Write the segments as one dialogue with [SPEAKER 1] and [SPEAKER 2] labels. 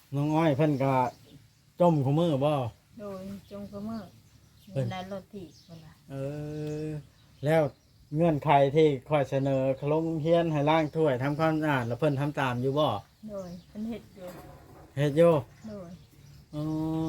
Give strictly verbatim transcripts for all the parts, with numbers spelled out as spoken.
[SPEAKER 1] น้องอ้อยเพิ่นก็จมคู่มือบ่
[SPEAKER 2] โดยจงกระเมื่อ
[SPEAKER 1] เพิ่น
[SPEAKER 2] ในรถถีบเพิ่นว่า
[SPEAKER 1] เออแล้วเงื่อนไขที่ค่อยเสนอขลงเฮียนให้ล้างถ้วยทำความสะอาดแล้วเพิ่นทำตามอยู่บ่
[SPEAKER 2] โดยเพิ่นเฮ็ดอยู่
[SPEAKER 1] เฮ็ดอยู่
[SPEAKER 2] โดย
[SPEAKER 1] อ๋อ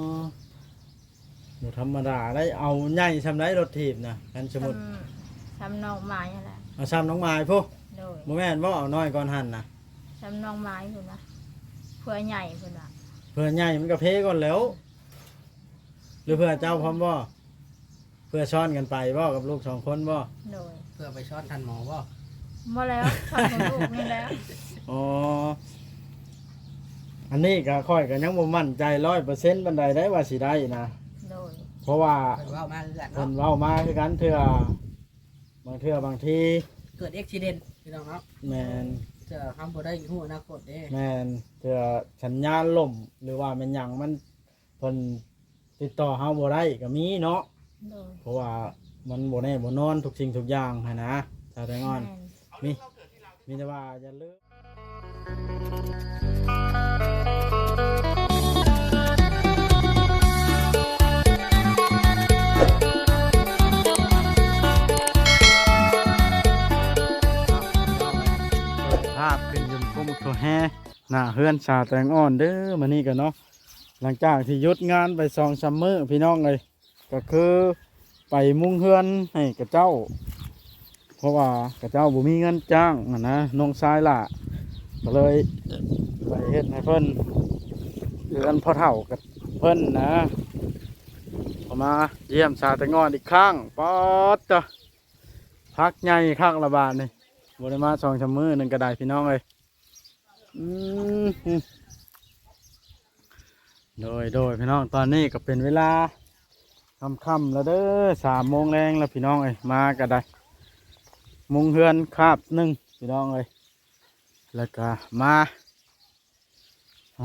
[SPEAKER 1] บ่ธรรมดาได้เอาใหญ่ซำไดรถถีบนะกันสมมุติ
[SPEAKER 2] ทำทำนองไม้นั่นแหละ
[SPEAKER 1] เอาซ้ำน้องไม้พุ
[SPEAKER 2] โดย
[SPEAKER 1] บ่แม่นบ่เอาน้อยก่อนหั่นน่ะ
[SPEAKER 2] ทำนองไม้เพิ่นว่าเพื่อใหญ่เพิ่นว่า
[SPEAKER 1] เพื่อใหญ่มันก็เพก่อนแล้ว หรือเพื่อเจ้าพร้อมบ่เพื่อช้อนกันไปบ่กับลูกสองคนบ่
[SPEAKER 2] โดย
[SPEAKER 3] เพื่อไปช็อตทันหมอบ่
[SPEAKER 2] บ่แล้วทำของลูกนี่แล้ว
[SPEAKER 1] อ๋ออันนี้ก็ค่อยก็ยังบ่มั่นใจ ร้อยเปอร์เซ็นต์ ปานใดได้ว่าสิได้นะ
[SPEAKER 2] โดย
[SPEAKER 1] เพราะว่า
[SPEAKER 3] เพิ่นเว้ามาคือกัน
[SPEAKER 1] เพิ่
[SPEAKER 3] เนาะ
[SPEAKER 1] นเว้ามาคือกันเทื่อบางเทื่อบางที
[SPEAKER 3] เกิดอุบิเหตุพี่น้องเนาะ
[SPEAKER 1] แม่น
[SPEAKER 3] จะทำบ่ได้ฮู้อนาคตเด้
[SPEAKER 1] แม่นเทื่อสัญญาณล่มหรือว่าแม่นหยังมันเพิ่นติดต่อเฮาบ่ได้ก็มีเนาะ
[SPEAKER 2] โดย
[SPEAKER 1] เพราะว่ามันบ่แน่บ่นอนทุกสิ่งทุกอย่างหันนะชาวไทยงอน
[SPEAKER 2] แม่น
[SPEAKER 1] มีมีแต่ว่าอย่าลืมภาพขึ้นยมกมตัวแห่หน้าเฮือนชาแตงอ่อนเด้อมานี่กันเนาะหลังจากที่หยุดงานไปสองซัมเมอร์พี่น้องเลยก็คือไปมุ่งเฮือนให้กับเจ้า เพราะว่ากระเจ้าบ่มีเงินจ้างอะนะน้องชายล่ะก็เลยไปเฮ็ดให้เพิ่นเดือนพอเฒ่ากับเพิ่นนะพอมาเยี่ยมชาแตงอ่อนอีกครั้งป๊อดจ้ะพักใหญ่คักละบาทนี่บ่ได้มาสองชั่วโมงนึงก็ได้พี่น้องเอ้ยอืมโดยโดยพี่น้องตอนนี้ก็เป็นเวลาค่ำๆแล้วเด้อสามโมงแรงแล้วพี่น้องเอ้ยมาก็ได้มุงเฮือนคาบหนึ่งพี่น้องเอ้ยแล้วก็มาอ๋อ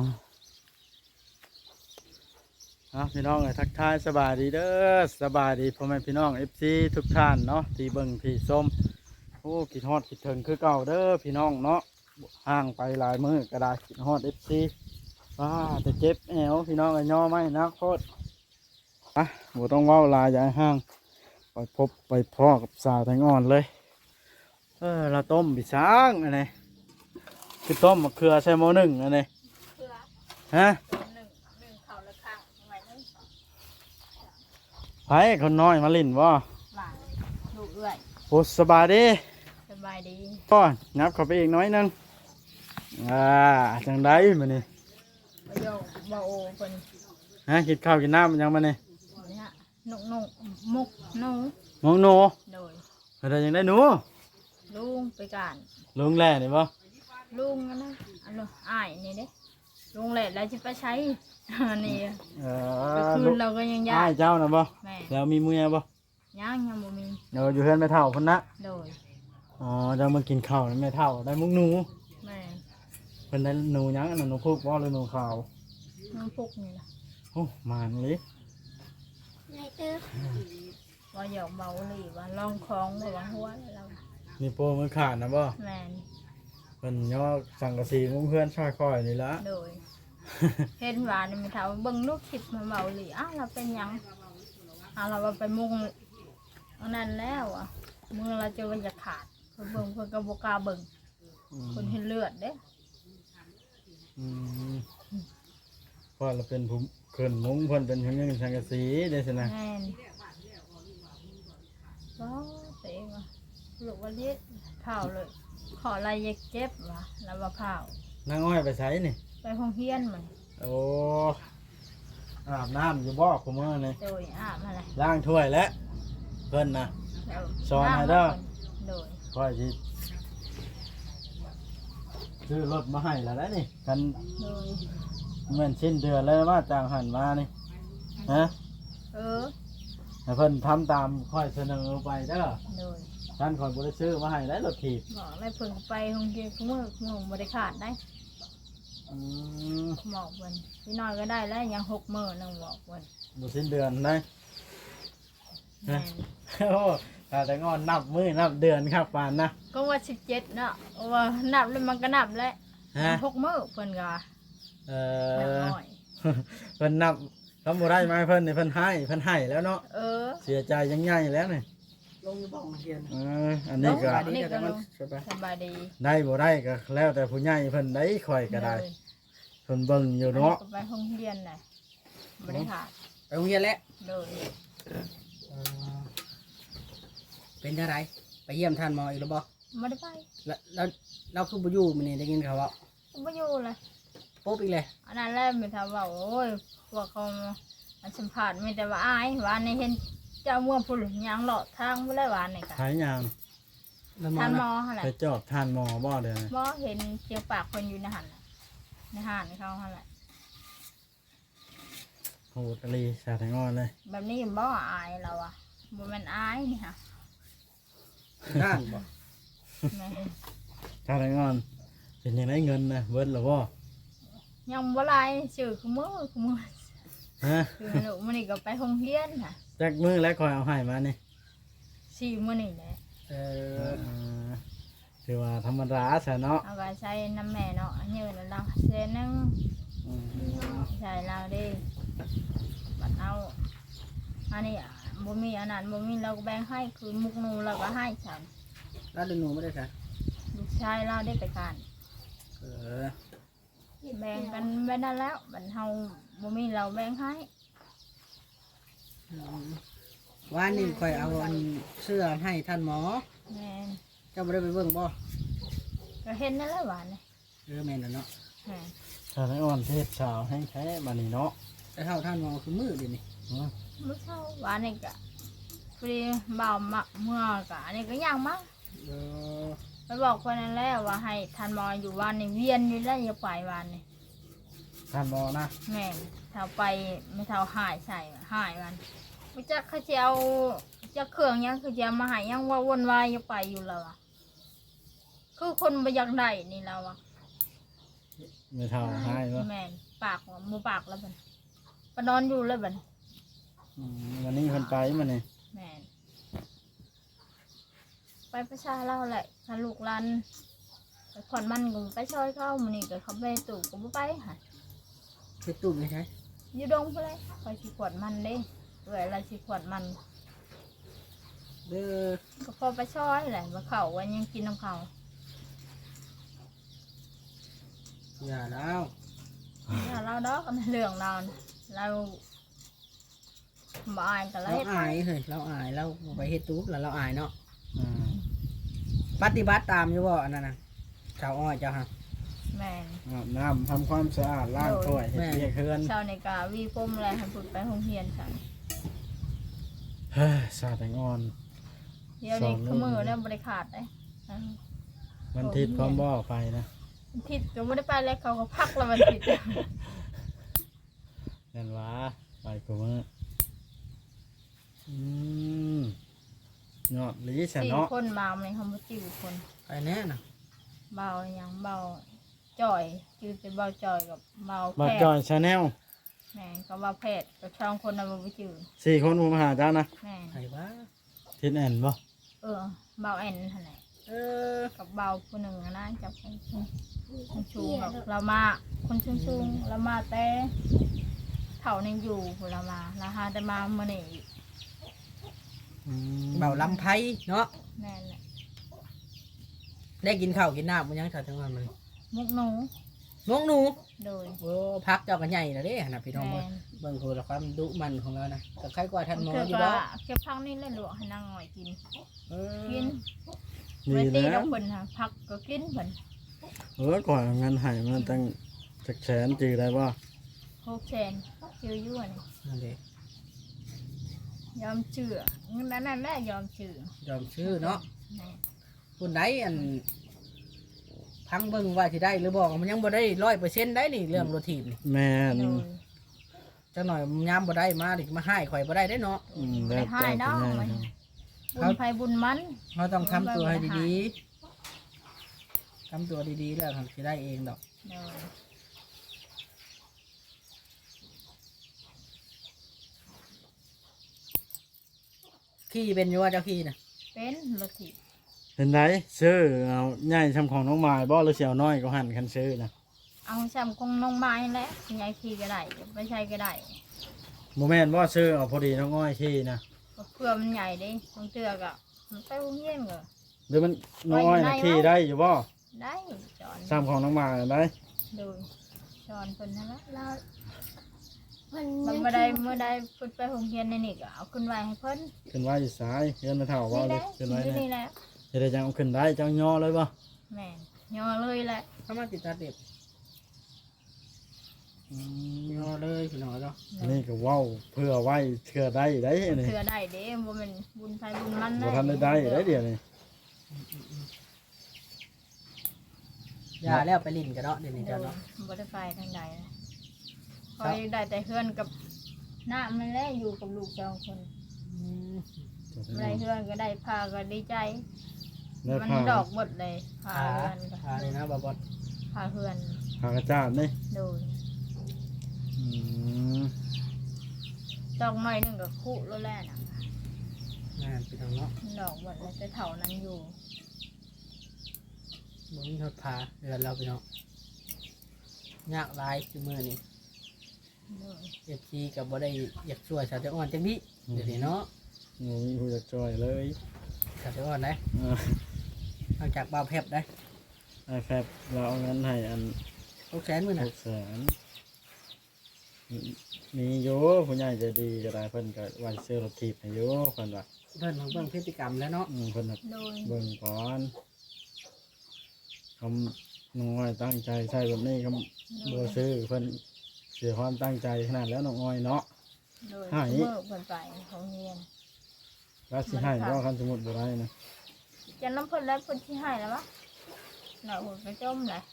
[SPEAKER 1] เอาพี่น้องเอ้ยทักทายสบายดีเด้อสบายดีพ่อแม่พี่น้องเอฟซีทุกท่านเนาะที่เบิ่งที่ส้มโอ้คิดฮอดคิดถึงคือเก่าเด้อพี่น้องเนาะห่างไปหลายมื้อก็ได้คิดฮอดเอฟซีว้าแต่เจ็บแอวพี่น้องไอ้ย่อไม่นักโคตรอ่ะบ่ต้องเว้าหลายอย่าให้ห่างไปพบไปพ่อกับสาวแตงอ่อนเลยเออเราต้มปีช้างอันนี้คือต้มมะเขือใส่หม้อหนึ่งอันนี้
[SPEAKER 2] เพื่อ
[SPEAKER 1] ฮะ
[SPEAKER 2] หนึ่งหนึ่งเขาละข้างไว้นึง
[SPEAKER 1] ไผคนน้อยมาลิ่นบ่
[SPEAKER 2] หลานลูกเอื้อย
[SPEAKER 1] โอ้สบายดี
[SPEAKER 2] สบายดี
[SPEAKER 1] พ่อนับเข้าไปอีกน้อยหนึงอ่าจังได้มานี่
[SPEAKER 2] บ่โยกบ่โอเพิ่น
[SPEAKER 1] ฮะกินข้าวกินน้ำมันยังมานี่
[SPEAKER 2] นี่ฮะนุกนุกมุกหนู
[SPEAKER 1] งงหนู
[SPEAKER 2] โดย
[SPEAKER 1] อะไรยังได้หนู
[SPEAKER 2] ลุงไปการ
[SPEAKER 1] ลุงแหล่นี่บ่
[SPEAKER 2] ลุงนะอันนู้นอ้ายนี่เด้ลุงแหละแล้วจะไปใช้ อันนี้
[SPEAKER 1] เอ
[SPEAKER 2] ก็
[SPEAKER 1] อ
[SPEAKER 2] คื
[SPEAKER 1] ลู
[SPEAKER 2] น
[SPEAKER 1] ก
[SPEAKER 2] เราก็ยังยา
[SPEAKER 1] อ้าย
[SPEAKER 2] ก
[SPEAKER 1] เจ้านะบ่
[SPEAKER 2] แม่
[SPEAKER 1] แล้วมีเมียบ่
[SPEAKER 2] ย่างยังบ่มี
[SPEAKER 1] เดี๋ยวอยู่เฮือนแม่เฒ่าพุ่นนะ
[SPEAKER 2] โดย
[SPEAKER 1] อ๋อเจะมากินข้าวแล้วแม่เฒ่าได้มุกหนู
[SPEAKER 2] แม่
[SPEAKER 1] เพิ่นได้หนูหยังอันนั้นหนูพุกบ่หรือหนูขาว
[SPEAKER 2] น้องพุกนี่ล่ะ
[SPEAKER 1] โอ้มานเลย
[SPEAKER 2] ว่าหยอกเบาหลีว่าลองคล้องว่าว่าหัวเรา
[SPEAKER 1] นี่โปรมือขาดนะบ่
[SPEAKER 2] แม่น
[SPEAKER 1] เพิ่นย่อสังกะสีมุ้งเพื่อนช่อยคอยนี่ละ
[SPEAKER 2] โดย เห็นว่านี่มีเท่าเบิ่งลูกคลิปมาเบาหลีอ้าวเราเป็นหยังอ้าวเราว่าไปมุงอันนั้นแล้วอ่ะมือเราจะว่าจะขาดเพิ่นเบิ่งเพิ่นก็บ่กล้าเบิ่ง
[SPEAKER 1] อืม
[SPEAKER 2] เพิ่นเห็นเลือดเด้
[SPEAKER 1] อืมเพราะเราเป็นผู้เพิ่นมุ้งเพิ่นเป็นเพิ่นยังสังกะสีได้สินะ
[SPEAKER 2] แม่นว้าวเตะว่ะลูกว่าเลี้ยเผาเลย ขออะไรเย็กเจ็บว่ะแล้วว่าเผาน
[SPEAKER 1] างอ้อยไปใช้นี่
[SPEAKER 2] ไปห้องเฮียนมัน
[SPEAKER 1] โอ้อาบน้ำอยู่บ่คุมื้อนี่
[SPEAKER 2] โดยอาบอะไร
[SPEAKER 1] ล้างถ้วยแล้วเพิ่นนะ
[SPEAKER 2] แล้ว
[SPEAKER 1] สอนให้เด้อ
[SPEAKER 2] โดย
[SPEAKER 1] ค่อยสิซื้อรถมาให้แล้วนะนี่กัน
[SPEAKER 2] โดย
[SPEAKER 1] เหมือนสิ้นเดือนเลยว่าจ้างหันมานี่ฮะ
[SPEAKER 2] เออ
[SPEAKER 1] ให้เพิ่นทำตามค่อยเสนอไปเด้อ
[SPEAKER 2] โดย
[SPEAKER 1] ท่านคอยบ่ได้ซื้อมาให้แล้วรถถีบ
[SPEAKER 2] บอกไม่เพิ่งไปห้องเฮียนเมื่อเมื่อบ่ได้ขาดได้
[SPEAKER 1] อืม
[SPEAKER 2] บอกเพิ่นพี่น้อยก็ได้แล้วยังหกมื้อนึงบอกเพิ่น
[SPEAKER 1] บ่สิ้นเดือนได้
[SPEAKER 2] แม่น
[SPEAKER 1] โอ้ถ้าแต่งอนนับมือนับเดือนครับปานนะ
[SPEAKER 2] ก็ว่าสิบเจ็ดเนาะว่านับแล้วมันก็นับแล้ว
[SPEAKER 1] ฮะ
[SPEAKER 2] หกมื้อเพิ่นก็
[SPEAKER 1] เอ
[SPEAKER 2] นับ
[SPEAKER 1] อ
[SPEAKER 2] เอา
[SPEAKER 1] เพิ่นนับทำบ่ได้มาให้เพิ่นนี่เพิ่นให้เพิ่นให้แล้วเนาะ
[SPEAKER 2] เออ
[SPEAKER 1] เสียใจยังใหญ่แล้วนี่
[SPEAKER 3] ลงอยู่บ้องเฮียน
[SPEAKER 1] เอออันนี้ก็
[SPEAKER 3] สบายดีแต่มันสบาย
[SPEAKER 2] สบายดี
[SPEAKER 1] ได้บ่ได้ก็แล้วแต่ผู้ใหญ่เพิ่นได้ข่อยก็ได้
[SPEAKER 2] เลย
[SPEAKER 1] เพิ่นเบิ่งอยู่เนาะ
[SPEAKER 2] อัไปห้องเรียนน่ะบ่ได้ขาด
[SPEAKER 3] ไปโรงเรียนแล้ว
[SPEAKER 2] เลย
[SPEAKER 3] เออเป็นจังไดไปเยี่ยมท่านหมออีกแล้วบ่
[SPEAKER 2] บ่ได้ไป
[SPEAKER 3] แล้วแล้วเราคือบ่อยู่มื้อนี้ได้ยินข่าวว่า
[SPEAKER 2] บ่อยู่เลย
[SPEAKER 3] ปุ๊บอีกเลย
[SPEAKER 2] อันนั้นแหละมีแต่ว่าโอ้ยพวกเขาอันสัมภาษณ์มีแต่ว่าอายว่าในเห็นเจ้าเมื่อผู้หลงยางเลาะทางบ่ได้ว่านี่ก็
[SPEAKER 1] ขายยาง
[SPEAKER 3] แล้วหมอ
[SPEAKER 2] ท่านหม
[SPEAKER 3] นะ
[SPEAKER 2] อหั่นแหละ
[SPEAKER 1] ไปจอบทานหมอบ่เด้อ
[SPEAKER 2] บ่เห็นเจียวปากคนอยู่ในหั่นน่ะในห้านเขาหั่นแหละ
[SPEAKER 1] โหดอลีสาแตงอ่อนเลย
[SPEAKER 2] แบบนี้บ่อายเราอ่ะบ่แม่นอายนี่ค่ะ
[SPEAKER 3] ด้านบ่
[SPEAKER 2] แม่
[SPEAKER 1] สาแตงอ่อนเป็นยังไงเงินนะเบิดแล้วบ่
[SPEAKER 2] ยังบ่หลายชื่อคือมือคือมือ
[SPEAKER 1] ฮะ
[SPEAKER 2] คือหนูมื้อนี้ก็ไปโรงเรียนค่ะ
[SPEAKER 1] จักมือแล้วคอยเอาให้มานี่
[SPEAKER 2] สี่มื้อนี้แหละ
[SPEAKER 3] เอ
[SPEAKER 1] เอ
[SPEAKER 3] อ
[SPEAKER 1] อคือว่าธรรมดาซะเนาะ
[SPEAKER 2] เอาก็ใช้น้ำแม่เนาะอันนี้แล้วเราเส้นหนึง
[SPEAKER 1] อืม
[SPEAKER 2] ใช่เราเด้บัดเอาอันนี้อะบ่มีอันนั้นบ่มีเราก็แบ่งให้คือมุกหนูเราก็ให้ฉัน
[SPEAKER 3] แล้วเดินหนูไม่ได้ค่ะ
[SPEAKER 2] ลูกชายเราได้ไปการ
[SPEAKER 3] เออ
[SPEAKER 2] แบ่งกันไปนั่นแล้วบัดเฮาบ่มีเราแบ่งให้
[SPEAKER 3] อืมว่านี่คอยเอาอันเสื้อให้ท่านหมอ
[SPEAKER 2] แม่น
[SPEAKER 3] เจ้าไม่ได้ไปเบิ่งบ่
[SPEAKER 2] ก็เห็นนั่นแหละหวานนี่
[SPEAKER 3] เออแม่นแล้วเนาะ
[SPEAKER 2] แม่น
[SPEAKER 1] สาแตงอ่อนเทศสาวแห้งแท้บัดนี้เนาะ
[SPEAKER 3] แต่เท่าท่านหมอคือมือเดี๋ยวนี้
[SPEAKER 1] อืม
[SPEAKER 2] มื้อเช้าหวานนี่ก็พอดีเบามาเมื่อก็อันนี้ก็ย่างมา
[SPEAKER 3] เออ
[SPEAKER 2] ไปบอกคนนั้นแล้วว่าให้ทันหมออยู่วันนี้เวียนอยู่แล้วอย่าไปวันนี้
[SPEAKER 1] ทานหมอนะ
[SPEAKER 2] แม่นเท่าไปไม่เท่าหายใส่หายวันไม่จักเขาจะเอาจะเครื่องหยังคือจะมาใหายยังว่าวนวายอย่าไปอยู่แล้วอะคือคนไปอยากได้นี่แล้วอะ
[SPEAKER 1] ไม่เท่าให้บ่
[SPEAKER 2] แม่นปากว่าหมูปากแล้วบันปนอนอยู่เลยบัน
[SPEAKER 1] อืมวันนี้เพิ่นไปมานี่
[SPEAKER 2] แม่นไปประชาเล่าแหละถ้าลูกหลันไปขอนมันก็ไปช่วยเขามันนี่ก็เขาไปตู่ก็บ่ไปค่ะ
[SPEAKER 3] ไปตุ่มไม่ใช่
[SPEAKER 2] อยู่ดงไปเลยไปสิขวดมันเด้เวลาสิขวดมัน
[SPEAKER 3] เด้อ
[SPEAKER 2] ก็พอไปช่วยแหละมาเขาวันยังกินน้ำเขา
[SPEAKER 3] อย่าแล้ว
[SPEAKER 2] ถ้าเราดอกกันเรื่องเราน่ะเราบ่อายกันเล
[SPEAKER 3] เรา
[SPEAKER 2] ย
[SPEAKER 3] อายเฮ้ยเราอายเราไปเฮ็ดตุ๊บแล้วเราอายเนาะ
[SPEAKER 1] อืม
[SPEAKER 3] ปฏิบัติตามอยู่บ่อันนั้นน่ะชาวอ้อยเจ้าฮะ
[SPEAKER 2] แม่น
[SPEAKER 1] อาบน้ำทำความสะอาดล้างถ้วยเฮ็ดเวียกเฮือน
[SPEAKER 2] เช้าในกาวีปมอะไรให้พูดไปโรงเรียนค่ะ
[SPEAKER 1] เฮ้ยสาแตงอ่อน
[SPEAKER 2] เดี๋ยวนี้
[SPEAKER 1] สองมื้
[SPEAKER 2] คือ
[SPEAKER 1] อ
[SPEAKER 2] มือเนี่ยบริขาดเลยอ่า
[SPEAKER 1] วันทิศพร้อมบ่ไปนะ
[SPEAKER 2] วันทิศก็ไม่ได้ไปแล้วเขาก็พักแล้ววันทิศ
[SPEAKER 1] นั่นหวะไปกูมืออืมเนาะลีซะ
[SPEAKER 2] สี่
[SPEAKER 1] เนาะ
[SPEAKER 2] คนมาในคำว่าจิ๋วคน
[SPEAKER 3] ไปแน่น่ะ
[SPEAKER 2] เบาอย่างเบาจ่อยจือเป็นเบาจ่อยกับเบา
[SPEAKER 1] บั
[SPEAKER 2] แพ
[SPEAKER 1] ด
[SPEAKER 2] ท
[SPEAKER 1] จอย
[SPEAKER 2] ย์
[SPEAKER 1] ชาแนล
[SPEAKER 2] แม่นก็เบาแพทย์กับช่องคนนั้นบ่จือ
[SPEAKER 1] สี่คนผมมาหาเจ้านะ
[SPEAKER 2] แม่น
[SPEAKER 3] ใครบ้า
[SPEAKER 1] ทิศแอนบ่
[SPEAKER 2] เออเบาแอนนั่นแหละ
[SPEAKER 3] เออ
[SPEAKER 2] กับเบาผู้หนึ่งอะนะจับคนชูคนชูแบบเรามาคนชุงชุงๆเรามาแต่เถ่านึงอยู่พุ่นเรามาแล้วหาแต่มาเมื่อนี้อีก
[SPEAKER 1] อืม
[SPEAKER 3] เบาลำไพเนาะ
[SPEAKER 2] แม่นแหละ
[SPEAKER 3] ได้กินข้าวกินน้ำมันยังชาวจังหวัดมัน
[SPEAKER 2] มุกหนู
[SPEAKER 3] นกหนู
[SPEAKER 2] โดย
[SPEAKER 3] โอ้พักเจ้ากันใหญ่แล้วเด้นะพี่น้อง
[SPEAKER 2] แม่
[SPEAKER 3] เบิ่ง
[SPEAKER 2] น
[SPEAKER 3] เบิ่งคือความดุมันของเรานะกับใครกว่าท่านหมอ
[SPEAKER 2] เก็บ
[SPEAKER 3] อยู่
[SPEAKER 2] ก็
[SPEAKER 3] บ่
[SPEAKER 2] เก็บพักนี่เลยหลวงให้นางหน่อยกิน
[SPEAKER 3] เออ
[SPEAKER 2] กิน
[SPEAKER 1] ดี
[SPEAKER 2] ไม่ตี
[SPEAKER 1] แล้
[SPEAKER 2] แล้ว วคนค่ะพักก็กินเพิ่น
[SPEAKER 1] เออก่อนเอาเงินให้มันตั้งจักแสนจือได้บ่
[SPEAKER 2] หกแสนชื่อยั่วนี่
[SPEAKER 3] นั่นเด้
[SPEAKER 2] ยอมเชื่อเงินนั้นนั่นแหละยอมเชื่อย
[SPEAKER 3] อมชื่อเนาะ
[SPEAKER 2] แม่
[SPEAKER 3] คุณใดอันพังเบิ่งว่าสิได้หรือบอกมันยังบ่ได้ร้อยเปอร์เซ็นต์ได้นี่เรื่องรถถีบนี่
[SPEAKER 1] แม่น
[SPEAKER 2] โดย
[SPEAKER 3] จังหน่อยยามบ่ได้มาดิมาให้ข่อยบ่ได้ได้เนาะ
[SPEAKER 1] อืมแล้ว
[SPEAKER 2] ให้
[SPEAKER 1] เจ้า
[SPEAKER 2] ดอก
[SPEAKER 1] เป็นไง
[SPEAKER 2] มัน
[SPEAKER 1] ครับ
[SPEAKER 2] บุญไฟบุญมัน
[SPEAKER 3] เราต้องทำตัวให้ดีๆทำตัวดีๆแล้วทำสิได้เองดอก
[SPEAKER 2] โดย
[SPEAKER 3] ขี้เป็นอยู่ว่าเจ้าขี้น่ะ
[SPEAKER 2] เป็นรถถีบ
[SPEAKER 1] เป็นไรซื้อเอาใหญ่ทำของน้องหมายบ่หรือเสียวน้อยก็หันคันซื้อนะ
[SPEAKER 2] เอาซ้ำคงน้องไม้แหละยายขี่ก็ได้ไม่ใช่ก็ได้
[SPEAKER 1] โมแมนว่าซื้อเอาพอดีน้องอ้อยขี้นะ
[SPEAKER 2] เพื่อมันใหญ่ดิบางเตือก็มันไปโรงเรียนก็
[SPEAKER 1] หรือมันน้องอ้อยนะขี้ได้อยู่บ่
[SPEAKER 2] ได้จอน
[SPEAKER 1] ซ้ำของน้องหมาได้
[SPEAKER 2] ดูจอนเพิ่นนั่นแหละ
[SPEAKER 4] แล้วมัน
[SPEAKER 2] มันบ่ได้เมื่อใดเพิ่นไปโรงเรียนในนี่ก็เอาขึ้นไว้ให้เพิ่น
[SPEAKER 1] ขึ้นไว้อยู่ซ้ายเฮือนมาเท่าว่า
[SPEAKER 2] นี่
[SPEAKER 1] เล
[SPEAKER 2] แห
[SPEAKER 1] ย
[SPEAKER 2] ละ
[SPEAKER 1] ขึ้นไว้
[SPEAKER 2] อยู่
[SPEAKER 1] เนี่ย
[SPEAKER 2] นี่แหละ
[SPEAKER 1] จะได้จังเอาขึ้นได้จังย่อเลยบ่
[SPEAKER 2] แม่นย่อเลยแหละ
[SPEAKER 3] เข้ามาติดตาเด็บยอเลยพี่น้องเนาะ
[SPEAKER 1] นี่ก็เว้าเพื่อไว้เชื่อได้ได้นี่
[SPEAKER 2] เพื่อได้เด้บ่แม่นบุญไผบุญมัน
[SPEAKER 1] บ่ทันได้ได้ได้เดี๋ยวนี้
[SPEAKER 3] ยาแล้วไปลิ้นกันเนาะเดี๋ยวนี้
[SPEAKER 2] เดี๋
[SPEAKER 3] เจ้า
[SPEAKER 2] ยว
[SPEAKER 3] เนาะ
[SPEAKER 2] บ่ได้ไปทางใดนะคอยได้แต่เฮือนกับหน้ามันแหละอยู่กับลูกสองคน
[SPEAKER 3] อืม
[SPEAKER 2] ได้เฮือนก็ได้พาก็ดีใจ
[SPEAKER 1] ได้
[SPEAKER 2] มัน
[SPEAKER 1] ผ้า
[SPEAKER 2] ดอกหมดเลยพา
[SPEAKER 3] ขา
[SPEAKER 2] เฮือนก็
[SPEAKER 3] ขาเลยนะบาบอส
[SPEAKER 2] พาเฮือน
[SPEAKER 1] ผ้ากระจาดนี่
[SPEAKER 2] โดย
[SPEAKER 1] อืม
[SPEAKER 2] ดอกไม้หนึงก็คุแล้วแหละน่ะ
[SPEAKER 3] งานพี่น้องเนาะ
[SPEAKER 2] ดอกหมดเลยแต่เถานั้นอยู่
[SPEAKER 3] บ่มีทอดพาเดือนเราพี่น้องยากหลายคือมือนี่
[SPEAKER 2] โดย
[SPEAKER 3] เอฟซีกับบ่ได้อยากช่วยชาวเจ้าอ่อนจังนี้เดี๋ยวนี้เนาะ
[SPEAKER 1] บ่มีผู้จักช่วยเลย
[SPEAKER 3] ชาวเจ้าอ่อนได้
[SPEAKER 1] เออ
[SPEAKER 3] หลังจากบ่าวแพบได้
[SPEAKER 1] ไอ้แฟบเราเอาเงินให้อัน
[SPEAKER 3] หกแสนมื้อ
[SPEAKER 1] ห
[SPEAKER 3] น่ะ
[SPEAKER 1] กแสนมีอยู่ผู้ใหญ่ใจดีก็ได้เพิ่นก็ไว้ซื้อรถถีบให้อยู่เพิ่นว่า
[SPEAKER 3] เพิ่นของเบิ่งพฤติกรรมแล้วเนาะ
[SPEAKER 1] อืมเพิ่นน่ะ
[SPEAKER 2] โดย
[SPEAKER 1] เบิ่งก่อนคำน้องอ้อยตั้งใจใช่แบบนี้คำบัวซื้อเพิ่นเสียความตั้งใจขนาดแล้วน้องอ้อยเนาะ
[SPEAKER 2] โดย
[SPEAKER 1] ให้
[SPEAKER 2] เมื่อเพิ่นไปของเรียน
[SPEAKER 1] แล้วสิให้ก็คันสมมุติบ่ได้นะ
[SPEAKER 2] จะน้ำเพิ่นแล้วเพิ่นสิให้แล้ววะน่ะโหดกระจมเลย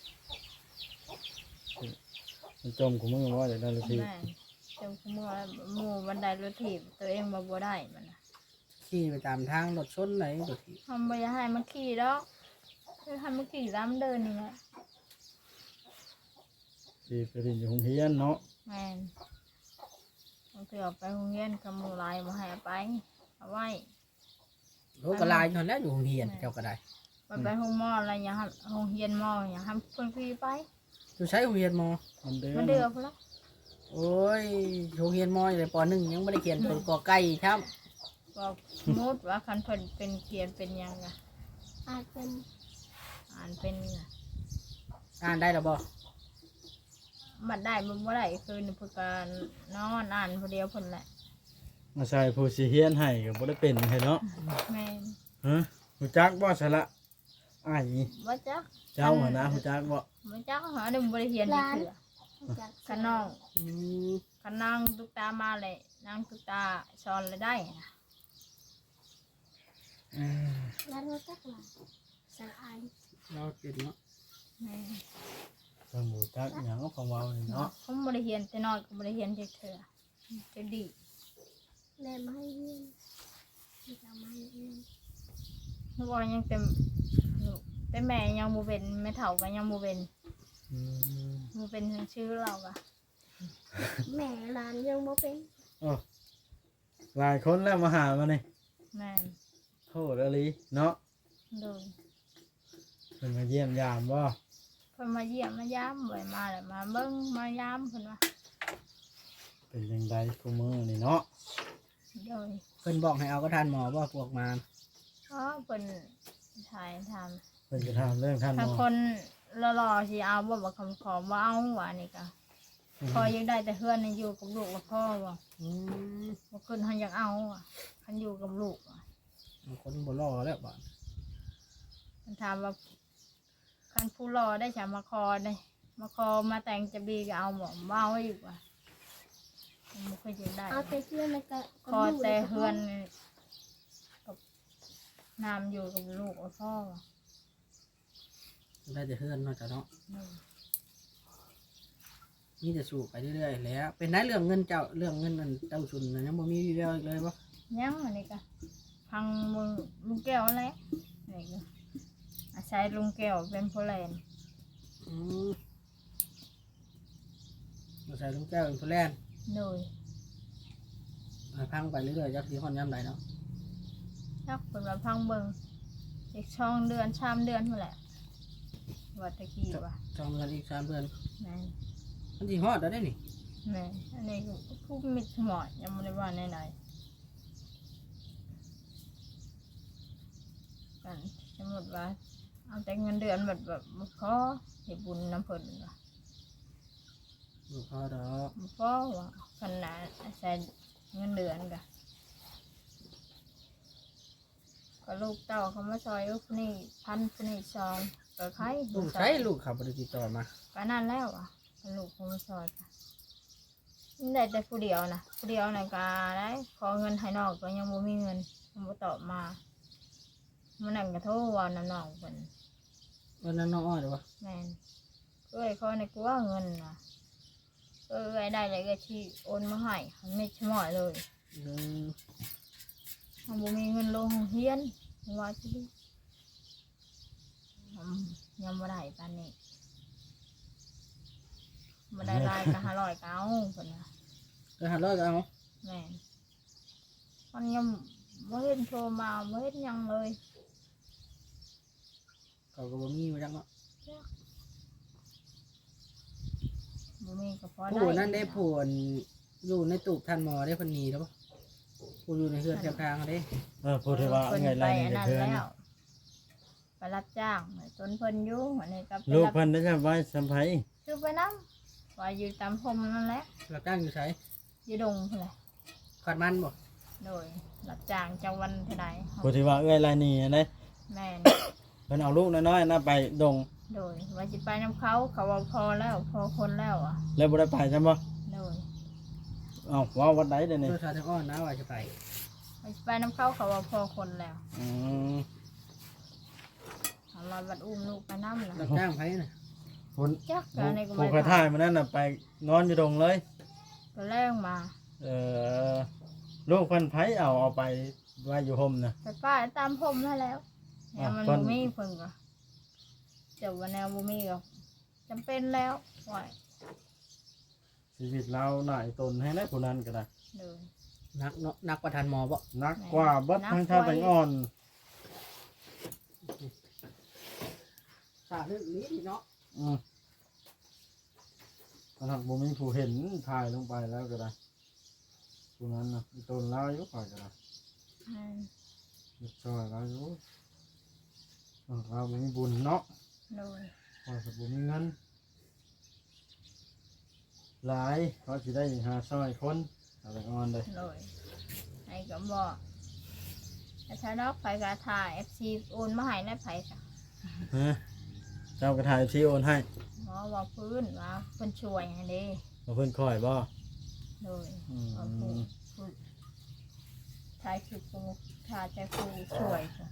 [SPEAKER 1] มันจมกูมือว่าจะได้รถถีบ
[SPEAKER 2] แม่นจมคุมือหมู่บันไดรถถีบตัวเองบ่บ่ได้มันน่ะ
[SPEAKER 3] ขี่ไปตามทางรถชนไหนรถที่
[SPEAKER 2] ทำบ่อยากให้มันขี่ดอกคือให้มันขี่ตามเดินนี่แหละ
[SPEAKER 1] ที่ไปเรียนอยู่โรงเรียนเนาะ
[SPEAKER 2] แม่นบางทีออกไปโรงเรียนกับหมู่หลายบ่ให้เอาไปเอาไว้
[SPEAKER 3] โอ้ก็ลายอยู่แล้วอยู่โรงเรียนเจ้าก็ได้
[SPEAKER 2] ไปไปโรงหมออะไรอย่างให้โรงเรียนหมออย่างให้เพิ่นขี่ไป
[SPEAKER 3] อยู่ใช้โรงเรียนมอ
[SPEAKER 1] มันเดือ
[SPEAKER 2] มัน
[SPEAKER 1] น
[SPEAKER 2] เดือพุ่นละ
[SPEAKER 3] โอ้ยโรงเรียนมออยู่ในปหนึ่งยังไม่ได้เขียนตัวกอไก่ครับ
[SPEAKER 2] บอกสมมุติว่าคันเพิ่นเป็นเขียนเป็นหยังอะ
[SPEAKER 4] อาจเป็น
[SPEAKER 2] อ่านเป็นอะ
[SPEAKER 3] อ่านได้หรอบ่
[SPEAKER 2] บัดได้บ่บ่ได้คือเพิ่นก็นอนอ่านผู้เดียวเพิ่นแหละ
[SPEAKER 1] มาใส่ผู้สิเฮียนให้ก็บ่ได้เป็นให้เนาะ
[SPEAKER 2] แม่น
[SPEAKER 1] ฮะฮู้จักบ่ซะละอ้าย
[SPEAKER 2] บ่จัก
[SPEAKER 1] เจ้าหั่นนะฮู้จักบ่
[SPEAKER 2] บ่จักหาได้บ่ได้เรียนนี่คือ
[SPEAKER 4] จาก
[SPEAKER 2] คันน้อง
[SPEAKER 3] อืม
[SPEAKER 2] คันนางตุกตามาเลยนางตุกตาสอนเลยได้นะ
[SPEAKER 3] อ่า
[SPEAKER 4] แล้วเราจักหลังสลาย
[SPEAKER 3] เราเป็นเนาะ
[SPEAKER 2] แม่น
[SPEAKER 1] เพิ่นบ่จักหยังของเว้านี่เนาะ
[SPEAKER 2] ผมบ่ได้เรียนแต่น้อยก็บ่ได้เรียนจักเทื่อจะดี
[SPEAKER 4] แม่ไม่ให้เรียนไม่จะไม่ให้เรียน
[SPEAKER 2] นึกว่ายังเต็มลูกแต่แม่ยังบ่เป็นแม่เฒ่าก็ยังบ่เป็น
[SPEAKER 1] อืม
[SPEAKER 2] บ่เป็นชื่อเราก็
[SPEAKER 4] แม่หลานยังไม่เป็น
[SPEAKER 1] โอ้หลายคนแล้วมาหามานี่
[SPEAKER 2] แม่น
[SPEAKER 1] โทษอลีเนาะ
[SPEAKER 2] โดย
[SPEAKER 1] เพิ่นมาเยี่ยมยามบ่
[SPEAKER 2] เพิ่นมาเยี่ยมมายามบ่อยมาแล้วมาเบิ่งมายามเพิ่นว่า
[SPEAKER 1] เป็นจังไดกูมือนี่เนาะ
[SPEAKER 2] โดย
[SPEAKER 3] เพิ่นบอกให้เอาก็ทานหมอบ่พวกมา
[SPEAKER 2] อ๋อเพิ่นถ่ายทำ
[SPEAKER 1] เพิ่นจะถามเรื่องท่านหม
[SPEAKER 2] ถ้า
[SPEAKER 1] อ
[SPEAKER 2] คนหล่อๆสิเอาบ่บ่คำขอบ่เอาว่านี่ก็พอยังได้แต่เฮือนนี่อยู่กับลูกกับพ่อบ่
[SPEAKER 3] อืม
[SPEAKER 2] บ่ขึ้นเฮาอยากเอาอ่ะคันอยู่กับลูกอะ
[SPEAKER 3] คนบ่รอแล้วบ่
[SPEAKER 2] มันถามว่าคันผู้รอได้จะมาคอได้มาคอมาแต่งจะบีก็เอาบ่บ่เอาอีกว่ะมันบ่เคยอยู่ได้
[SPEAKER 4] เอาแต่เพื่อนแล้วก็
[SPEAKER 2] คอแต่เฮือนนี่กับน้ำอยู่กับลูกกับพ่อว่ะ
[SPEAKER 3] ได้แต่เฮือนเนาะจ้ะเนาะ
[SPEAKER 2] อืม
[SPEAKER 3] นี่จะสู้ไปเรื่อยๆแล้วเป็นได้เรื่องเงินเจ้าเรื่องเงินนั่นเจ้าชุนน่ะยังบ่มีวีแววอีกเลยบ่
[SPEAKER 2] ยังอันนี้ก็พังมือลุงแก้วแล้วนี่ก็อาศัยลุงแก้วเป็นผู้แลน
[SPEAKER 3] อืมมาใส่ลุงแก้วเป็นผู้แลน
[SPEAKER 2] โดย
[SPEAKER 3] ให้พังไปเรื่อยๆจักสิฮอดยามใดเนาะ
[SPEAKER 2] ชักเพิ่นว่าพังเบิ่งอีกช่องเดือนชามเดือนนั่นแหละวัดตะกี้ว่ะ
[SPEAKER 3] สองเดือนอีกสามเดือน
[SPEAKER 2] แม่น
[SPEAKER 3] มันสิฮอดแล้วได้นี่
[SPEAKER 2] แม่นอันนี้ก็ผู้มิดหมอดยังไม่ได้ว่าไหนๆกันสมมติว่าเอาแต่เงินเดือนแบบแบบบ่พอให้บุญน้ำเพิ่นว่ะ
[SPEAKER 3] บ่พอดอก
[SPEAKER 2] บ่พอว่ะขนาดใช้เงินเดือนกะก็ลูกเต้าเขามาซอยลูกนี่พันคนนี่ซองก็ใคร
[SPEAKER 3] ลูกใช้ลูกเขาบ่ได้ติดต่อมา
[SPEAKER 2] ก็นั่นแล้วอ่ะก็ลูกเขามาซอยกะนี่ได้แต่ผู้เดียวนะผู้เดียวนะก็ได้ขอเงินให้นอกก็ยังบ่มีเงินยังบ่ตอบมามันนั่นก็โทรว่าน้ำนองเพิ่น
[SPEAKER 3] วันนั้นน้องอ้อยเด้อวะ
[SPEAKER 2] แม่นเอ้ยขอในกลัวเงินนะเอ้ยได้เลยก็ที่โอนมาให้มันไม่ชะม่อยเลย
[SPEAKER 3] เออ
[SPEAKER 2] มันบ่มีเงินลงเฮียนว่าจะดีอืมยังบ่ได้ปานนี้บ่ได้ลายก็ห้าร้อยก็เอาเพิ่นน่ะ
[SPEAKER 3] ก็หาร้อยก็เอา
[SPEAKER 2] แม่นมันยังบ่เห็นโทรมาบ่เห็นหยังเลย
[SPEAKER 3] เขาก็บ่มีมาจังเนาะ
[SPEAKER 2] บ่มีก็พอได้
[SPEAKER 3] ผู้นั้นได้ผู้อันอยู่ในตูบทันหมอได้เพิ่นหนีแล้วบ่ผู้อยู่ในเฮือนแถวทางอะเด้
[SPEAKER 1] เออพูดถึงว่า
[SPEAKER 2] เพิ่น
[SPEAKER 1] ไง
[SPEAKER 2] ไป
[SPEAKER 1] ไร
[SPEAKER 2] อัน
[SPEAKER 1] นี่
[SPEAKER 2] นั้น
[SPEAKER 1] เพื่อน
[SPEAKER 2] แล้วไปรับจ้างจนเพิ่นอยู่อันนี้ก็ไป
[SPEAKER 1] ลูก
[SPEAKER 2] รับ
[SPEAKER 1] เพิ่นได้ใช่ไว้สัมภัย
[SPEAKER 2] คือไปนำว่าอยู่ตามพรมนั่นแหละ
[SPEAKER 3] รับจ้างอยู่ไส
[SPEAKER 2] อยู่ดงพุ่นแหละ
[SPEAKER 3] ขาดมันบ่
[SPEAKER 2] โดยรับจ้างจังวันเท่าใด
[SPEAKER 1] พูดถึงว่าเอ้ยไรนี่อันนี้
[SPEAKER 2] แม่น
[SPEAKER 1] เพิ่นเอาลูกน้อยๆนะไปดง
[SPEAKER 2] โดยว่าสิไปนํเขาเขาว่าพอแล้วพอคนแล้วอ่ะ
[SPEAKER 1] แล้วบ่ได้ไปใช่บ่
[SPEAKER 2] โดย
[SPEAKER 1] เอ้าว่าวัดใดเดี๋ยวนี้
[SPEAKER 3] เพื่อสาทางอ้อนนะว่าจะไป
[SPEAKER 2] ว่าสิไปนํเขาเขาว่าพอคนแล้ว
[SPEAKER 1] อืม
[SPEAKER 2] เอามาบัดอุ้มลูกไปนำ
[SPEAKER 3] รั
[SPEAKER 2] นะ
[SPEAKER 3] บจ้างไผน่ะ
[SPEAKER 1] ผล
[SPEAKER 2] จักก็อันนี้ก็
[SPEAKER 1] ผู้
[SPEAKER 2] ไม่
[SPEAKER 1] กระท่ายมันนั่นน่ะไปนอนอยู่ดงเลย
[SPEAKER 2] ก็แรงมา
[SPEAKER 1] เออลูกเพิ่นไผเอาเอาไปไว้อยู่ห่มน่ะ
[SPEAKER 2] ไปป้าตามพรมนั่นแล้วแนวมัน
[SPEAKER 1] อ่ะเพิ่
[SPEAKER 2] บ่
[SPEAKER 1] น
[SPEAKER 2] มีเพิ่นก็เจ้าว่าแนวบ่มีก็จำเป็นแล้วว่า
[SPEAKER 1] ชีวิตเราหน่ายตนให้ได้ผู้นั้นก็ได้
[SPEAKER 2] โดย
[SPEAKER 3] นักเนาะนักประทานหมอบ่
[SPEAKER 1] นักกว่าเบิดทั้งชาติทั้งอ่อน
[SPEAKER 3] สาเรื่องนี้เนาะ
[SPEAKER 1] อืมขนาดบ่มีผู้เห็นถ่ายลงไปแล้วก็ได้ผู้นั้นน่ะอีตนเราอยู่ข่อยก็ได้
[SPEAKER 2] อืม
[SPEAKER 1] เรียบร้อยแล้วอยู่เออเราบ่มีบุญเนาะ
[SPEAKER 2] โดย
[SPEAKER 1] ข่อยก็บ่มีเงินหลายเขาสิได้หาซอยคนเอาไปอ่อนเลย
[SPEAKER 2] โดยไอ้ก็บอกแต่ถ้าดอกไฟกาถ่าย เอฟ ซี โอนมาให้ได้ไผค่ะ
[SPEAKER 1] ฮะเจ้ากระถ่ายที่โอนให้
[SPEAKER 2] หมอว่าพื้นว่าเพิ่นช่วยให้เด้
[SPEAKER 1] มาเพิ่นคอยบ่
[SPEAKER 2] โดย
[SPEAKER 1] อื
[SPEAKER 2] ว่าผู้
[SPEAKER 1] ม
[SPEAKER 2] ผู้ชายคือผู้ชายใจผู้ช่วยค่ะ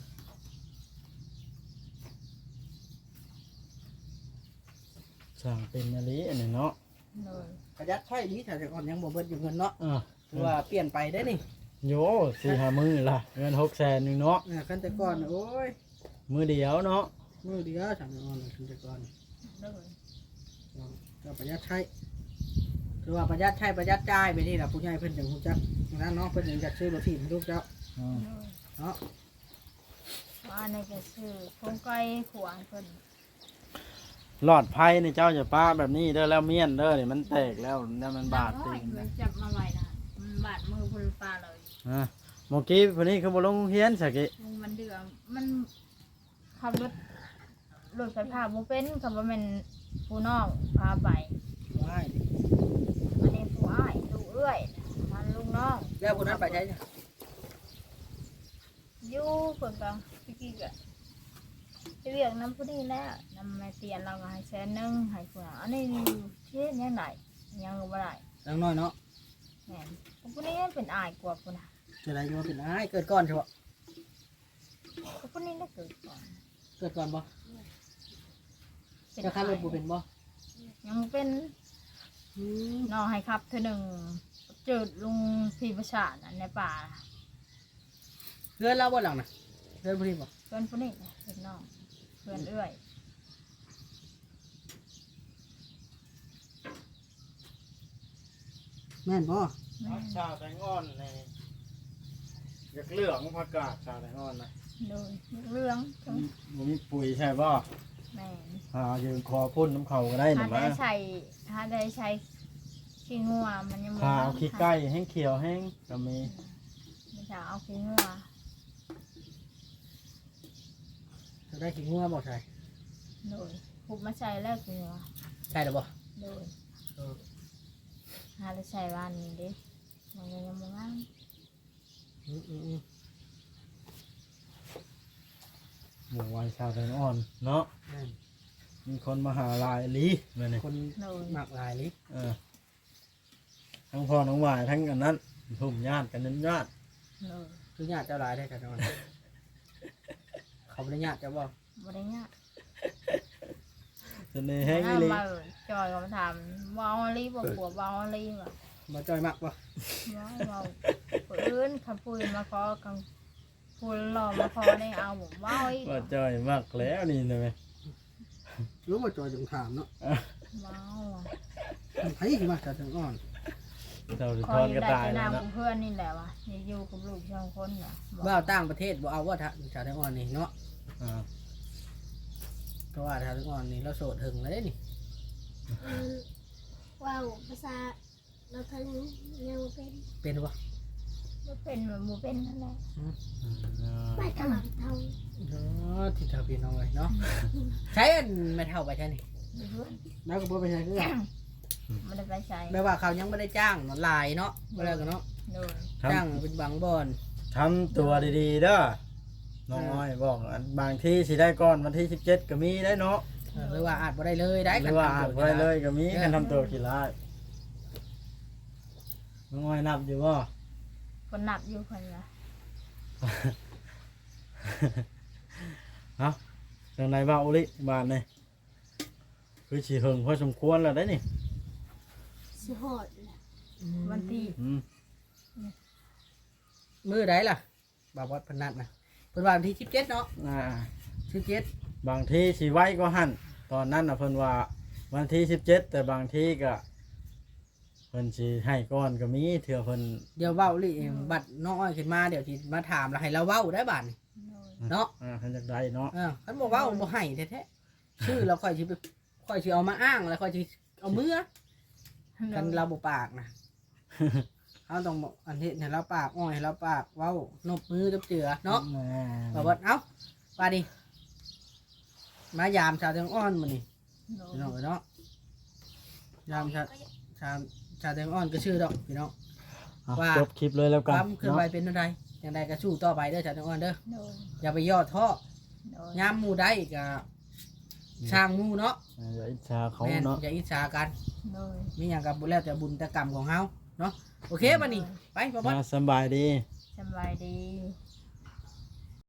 [SPEAKER 1] สร้างเป็นอะลีอันนี้เนาะ
[SPEAKER 2] โดย
[SPEAKER 3] ประหยัดใช้ดีถ้าแต่ก่อนยังบ่เบิดอยู่เงินเนาะ
[SPEAKER 1] อ่ะ
[SPEAKER 3] คือว่าเปลี่ยนไปได้นี่
[SPEAKER 1] โยสี่ห้ามือล่ะเงินหกแสนหนึ่งเนาะ
[SPEAKER 3] อ่าคันแต่ก่อนน่ะโอ้ย
[SPEAKER 1] มือเดียวเนาะ
[SPEAKER 3] มื้อเดียวสามอ้อนคันแต่ก่อน
[SPEAKER 2] โดย
[SPEAKER 3] ก็ประหยัดใช้คือว่าประหยัดใช้ประหยัดจ่ายไปนี่ล่ะผู้ใหญ่เพิ่นจังฮู้จักนั้นเนาะเพิ่นจังจักซื้อรถถีบให้ลูกเจ้า
[SPEAKER 1] อืม
[SPEAKER 2] โดย
[SPEAKER 3] เนาะ
[SPEAKER 2] ว่าในก็คือคงไก่ขวางเพิ่น
[SPEAKER 1] หลอดไพ่นี่เจ้าจะป้าแบบนี้เด้อแล้วเมียนเด้อนี่มันแตกแล้วเนี่ยมันบาด
[SPEAKER 2] น้
[SPEAKER 1] ติ
[SPEAKER 2] อย
[SPEAKER 1] ง
[SPEAKER 2] มั
[SPEAKER 1] นะ
[SPEAKER 2] นจับมาไว้นะมันบาดมือเพิ่นปลาเลย
[SPEAKER 1] อ่ะเมื่อกี้คนนี้คือบ่ลงเฮียนสักกิ
[SPEAKER 2] ลุงมันเดือดมันขับรถรถไฟฟ้าบ่เป็นกับว่ามันผู้น้องพาไป
[SPEAKER 3] ว้าย
[SPEAKER 2] อันนี้ผู้อ้ายลูกเอื้อยมันลูกน้อง
[SPEAKER 3] แล้วผู้นั้นไปใช้จ้ะ
[SPEAKER 2] อยู่เพิ่นก็พี่กี้ก็ไปเรียกน้ำผู้นี้แล้วน้ำแม่เตียนเราก็ให้แสนหนึงให้ผู้นั้นอันนี้เฮ็ดยังไงยังบ่ได้
[SPEAKER 3] จังน้อยเนาะ
[SPEAKER 2] แม่นผู้นี้เป็นอ้ายกว่าผู้น่ะ
[SPEAKER 3] จะได้มาเป็นอ้ายเกิดก่อนใช่บ่
[SPEAKER 2] ผู้นี้ได้เกิดก่อน
[SPEAKER 3] เกิดก่อนบ่
[SPEAKER 2] เป็น
[SPEAKER 3] จะขับรถบ่เป็นบ่
[SPEAKER 2] ยังเป็น
[SPEAKER 3] อืม
[SPEAKER 2] น้องให้ขับเธอหนึ่งเจอลุงพี่ประชาน่ะในป่า
[SPEAKER 3] เพื่อนเราบ่หลังน่ะเพื่อนผู้นี้บ่
[SPEAKER 2] เพื่อนผู้นี้น่ะเป็นน้องเพื่อนเอื้อย
[SPEAKER 3] แม่นบ่
[SPEAKER 2] แม่
[SPEAKER 1] ชาแตงอ่อนนี่อยากเลือกผักกาดชาแตงอ่อนนะ
[SPEAKER 2] โดยเรื่องทั้ง
[SPEAKER 1] บ่มีปุ๋ยใช่บ่
[SPEAKER 2] แแม่น
[SPEAKER 1] หายืนคอพ่นน้ำเขาก็ได้
[SPEAKER 2] ถ้า
[SPEAKER 1] น่ะ
[SPEAKER 2] ได้
[SPEAKER 1] มา
[SPEAKER 2] ใช้ถ้าได้ใช้ขี้งัวมันยังบ่
[SPEAKER 1] หาเอาขี้ไก่แห้งเขียวแห้งก็มี
[SPEAKER 2] ไม่ใช่เอาขี้งัว
[SPEAKER 3] จะได้ขี้งัวบ่ใช่
[SPEAKER 2] โดยพุบมาใช้แล้วขี้งัว
[SPEAKER 3] ใช่หรือบ่
[SPEAKER 2] โดย
[SPEAKER 3] เออ
[SPEAKER 2] หาได้ใช้วันนี้เด้มันยังบ่งาม
[SPEAKER 3] อืมอืมอืม
[SPEAKER 1] หมู่วัยชาวแตงอ่อนเนาะ
[SPEAKER 3] นั่น
[SPEAKER 1] มีคนมาหาลายลีมาเนี่ย
[SPEAKER 3] คน
[SPEAKER 2] โดย
[SPEAKER 3] หมักหลายลิ
[SPEAKER 1] เออทั้งพ่อน้องวายทั้งกันนั้นทุ่มญาติกันนั้นญาติ
[SPEAKER 2] โดย
[SPEAKER 3] คือญาติเจ้าหลายได้กันนอนเขาบ่ได้ญาติเจ้าบ่
[SPEAKER 2] บ่ได้ยาก
[SPEAKER 1] เสน่ห์แห้ง
[SPEAKER 2] ถ้า
[SPEAKER 1] อีหลี
[SPEAKER 2] มาจอยก็มาถามว่าเอาลีบ่กลัวว่าเอาลีบ่
[SPEAKER 3] บ่จ้อยมักบ่
[SPEAKER 2] ว่าเราพื้นขับพูนมาขอกังพูนหล่อมาขอได้เอาผมว่าอีก
[SPEAKER 1] ว่าจ่อยมากแล้วนี่นะแม่
[SPEAKER 3] รู้ว่าจ้อยจังถามเนาะ
[SPEAKER 2] ว้าว
[SPEAKER 3] ไผสิมาจากจังอ่อน
[SPEAKER 1] เจ้าสิ
[SPEAKER 2] ค
[SPEAKER 1] ท
[SPEAKER 2] อ
[SPEAKER 1] อย น
[SPEAKER 2] อยู่
[SPEAKER 1] กระ
[SPEAKER 2] ได้
[SPEAKER 1] ต่าย
[SPEAKER 2] แต่
[SPEAKER 1] แล้ว
[SPEAKER 2] นำ
[SPEAKER 1] นะ
[SPEAKER 2] กับเพื่อนนี่แหละวะนี่อยู่กับลูกสองคนน่ะบอก
[SPEAKER 3] ว่าต่างประเทศบ่เอาว่าจากจังอ่อนนี่เนาะ
[SPEAKER 1] อ่า
[SPEAKER 3] เพราะว่าจากจังอ่อนนี่เราโสดหึงแล้วเด้นี่
[SPEAKER 4] อืมว้าวภาษาเราทั้งยังบ่เป็น
[SPEAKER 3] เป็นบ่
[SPEAKER 2] บ่เป็นเหมือนบ่เป็นนั่นแหละ
[SPEAKER 4] ไม่กำลังเท่า
[SPEAKER 3] เนาะที่เธอพี่น้องเลยเนาะใช้อันไม่เท่าไปใช่นี่
[SPEAKER 2] อยู่เพื่อน
[SPEAKER 3] แล้วก็บ่ไปใช้คือกัน
[SPEAKER 2] ไม่ได้ไปใช้
[SPEAKER 3] แม้ว่าเขายังไม่ได้จ้างเนาะหลายเนาะบ่แล้วกันเนาะ
[SPEAKER 2] โดย
[SPEAKER 1] ท
[SPEAKER 3] จ้างเป็นบางบอน
[SPEAKER 1] ำทำตัวดีๆเด้อน้องอ้อยบอกอันบางที่สิได้ก่อนวันที่สิบเจ็ดก็มีได้เนาะ
[SPEAKER 3] เออหรือว่าอาจบ่ได้เลยได้
[SPEAKER 1] หรือว่าอ่านไว้เลยก็มีกันทำตัวกี่ร้ายน้องอ้อยนับอยู่ว่า
[SPEAKER 2] คนนับอยู่คนละ
[SPEAKER 1] เอ้าจังไหนบ้าอุลิบานนี่คือฉีเหิงพอสมควรแล้วได้นี่
[SPEAKER 4] สิหอดแหละ
[SPEAKER 2] วันที่
[SPEAKER 1] อืม
[SPEAKER 3] มือใดล่ะบ่าววัดพนัดนะเพิ่นว่าวันที่สิบเจ็ดเนาะ
[SPEAKER 1] อ่า
[SPEAKER 3] สิบเจ็ด
[SPEAKER 1] บางที่สิไว้ก็หั่นตอนนั้นน่ะเพิ่นว่าวันที่สิบเจ็ดแต่บางที่ก็เพิ่นสิให้ก่อนก็มีเถื่อเพิ่น
[SPEAKER 3] เดี๋ยวเว้าลิเองบัดน้องอ้อยขึ้นมาเดี๋ยวสิมาถามแล้วให้เราเว้าได้บาดนี่
[SPEAKER 2] โดย
[SPEAKER 3] เนาะ
[SPEAKER 1] อ่าเพิ่นจักได้เนาะ
[SPEAKER 3] เออคันบ่เว้าบ่ให้แท้ๆชื่อเราค่อยสิไปค่อยสิเอามาอ้างแล้วค่อยสิเอามือกันเราบ่ปากนะ เราต้องบอกอันที่ให้เราปากอ้อยให้เราปากเว้านบมือจับเจือเนาะ
[SPEAKER 1] แหม่
[SPEAKER 3] บ่ว่าเอ้าว่าดิมายามชาวเตียงอ้อนมื้อนี้
[SPEAKER 2] โดย
[SPEAKER 3] พี่น้องเอ้ยเนาะยามชาวชาวชาวเตียงอ้อนก็ชื่อดอกพี่น้อง
[SPEAKER 1] เอา
[SPEAKER 3] ว่า
[SPEAKER 1] จบคลิปเลยแล้ว
[SPEAKER 3] ค
[SPEAKER 1] กัน
[SPEAKER 3] วามเคลื่อนไหว
[SPEAKER 1] เนาะ
[SPEAKER 3] เป็นอะไรอย่างใดก็สู้ต่อไปเด้อชาวเตียงอ้อนเด้อ
[SPEAKER 2] โดย
[SPEAKER 3] อย่าไปย่อท้อ
[SPEAKER 2] โดย
[SPEAKER 3] ยามหมู่ได้ก็ช่างหมู่เนาะ
[SPEAKER 1] อย่าอิจฉาเขา
[SPEAKER 3] แม่น
[SPEAKER 1] เนาะ
[SPEAKER 3] อย่าอิจฉากัน
[SPEAKER 2] โดย
[SPEAKER 3] มีหยังกับบุญแล้วแต่บุญแต่กรรมของเฮาเนาะโอเคบัดนี้ไปบ่บ่
[SPEAKER 1] อ่าสำบายดี
[SPEAKER 2] สบายดี